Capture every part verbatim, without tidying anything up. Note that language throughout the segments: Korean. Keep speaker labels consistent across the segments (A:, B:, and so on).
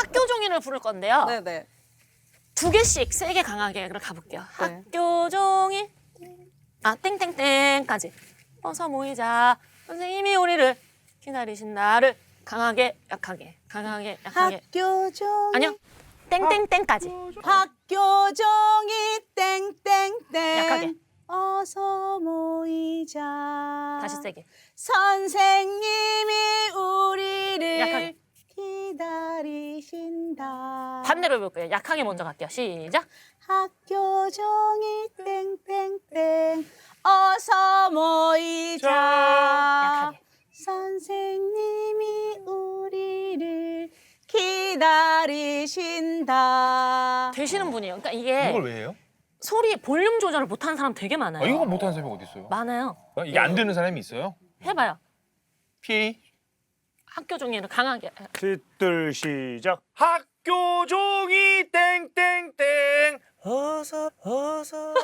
A: 학교 종이를 부를 건데요.
B: 네네.
A: 두 개씩 세게 강하게 그럼 가볼게요.
B: 네.
A: 학교 종이 아 땡땡땡까지 어서 모이자. 선생님이 우리를 기다리신 나를 강하게 약하게 강하게 약하게
B: 학교 종이.
A: 아니요 땡땡땡까지
B: 학교 종이 땡땡땡.
A: 약하게.
B: 어서 모이자.
A: 다시 세게
B: 선생님이 우리를
A: 약하게.
B: 기다리신다.
A: 반대로 해볼게요. 약하게 먼저 갈게요. 시작.
B: 학교 종이 땡땡땡. 어서 모이자.
A: 약하게.
B: 선생님이 우리를 기다리신다.
A: 되시는 분이에요. 그러니까 이게
C: 이걸 왜 해요?
A: 소리 볼륨 조절을 못하는 사람 되게 많아요.
C: 아, 이거 못하는 사람이 어디 있어요?
A: 많아요.
C: 어? 이게 안 되는 사람이 있어요?
A: 해봐요.
C: 피
A: 학교 종이를 강하게.
D: 셋둘 시작.
C: 학교 종이 땡땡땡 어서 어서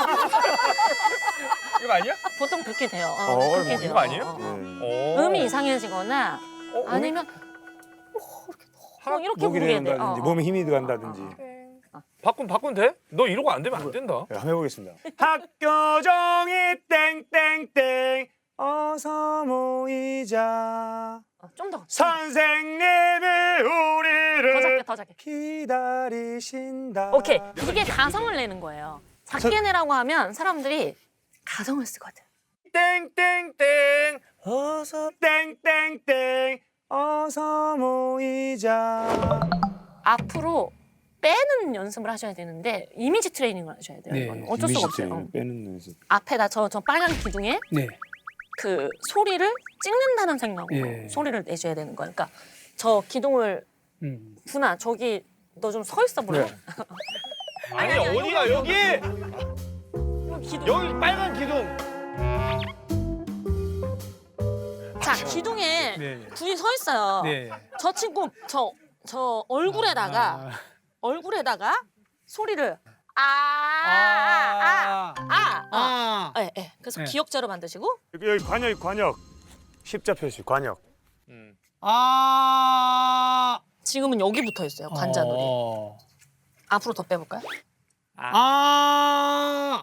C: 이거 아니야?
A: 보통 그렇게 돼요. 어,
D: 어,
A: 그렇게
D: 이거
A: 돼요.
C: 아니에요?
A: 어, 어.
D: 네.
C: 오.
A: 음이 이상해지거나
C: 어,
A: 아니면
C: 하-
A: 뭐 이렇게
D: 목이
A: 부르게 돼.
D: 된다든지
A: 어, 어.
D: 몸에 힘이 들어간다든지.
C: 바꾼 바꾼 돼? 너 이러고 안 되면 안 된다.
D: 네, 한번 해보겠습니다. 학교 종이 땡땡땡 어서 모이자.
A: 어, 좀 더.
D: 선생님이
A: 더
D: 우리를
A: 작게 더 작게.
D: 기다리신다.
A: 오케이. 이게 가성을 내는 거예요. 작게 내라고 하면 사람들이 가성을 쓰거든.
C: 땡땡땡 어서
D: 땡땡땡 어서 모이자.
A: 앞으로 빼는 연습을 하셔야 되는데 이미지 트레이닝을 하셔야 돼요.
E: 네,
A: 이거는 어쩔 수가 없어요. 어.
D: 빼는 연습.
A: 앞에다 저, 저 빨간 기둥에
E: 네.
A: 그 소리를 찍는다는 생각으로
E: 예.
A: 소리를 내셔야 되는 거예요. 그러니까 저 기둥을
E: 음.
A: 분아 저기 너 좀 서 있어 볼래?
D: 네.
C: 아니
A: 아니, 아니,
C: 어디가 여기
A: 여기 기둥.
C: 여기 빨간 기둥.
A: 자 기둥에
E: 네.
A: 군이 서 있어요.
E: 네.
A: 저 친구 저 저 얼굴에다가
E: 아.
A: 얼굴에다가 소리를 아아아아아 아, 아,
E: 아.
A: 예, 예. 그래서
E: 네.
A: 기억자로 만드시고
D: 여기, 여기 관역 관역. 십자 표시 관역.
C: 음.
E: 아.
A: 지금은 여기 붙어 있어요 관자놀이.
E: 어.
A: 앞으로 더 빼볼까요?
E: 아.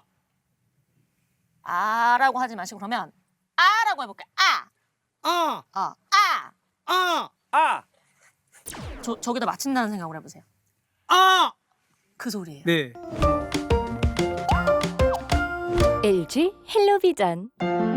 A: 아라고 하지 마시고 그러면 아라고 해볼까요? 아,
E: 아.
A: 어, 아.
E: 아.
C: 아
A: 저 저기다 맞춘다는 생각을 해보세요.
E: 아.
A: 그 소리예요.
E: 네.
F: 엘지 헬로비전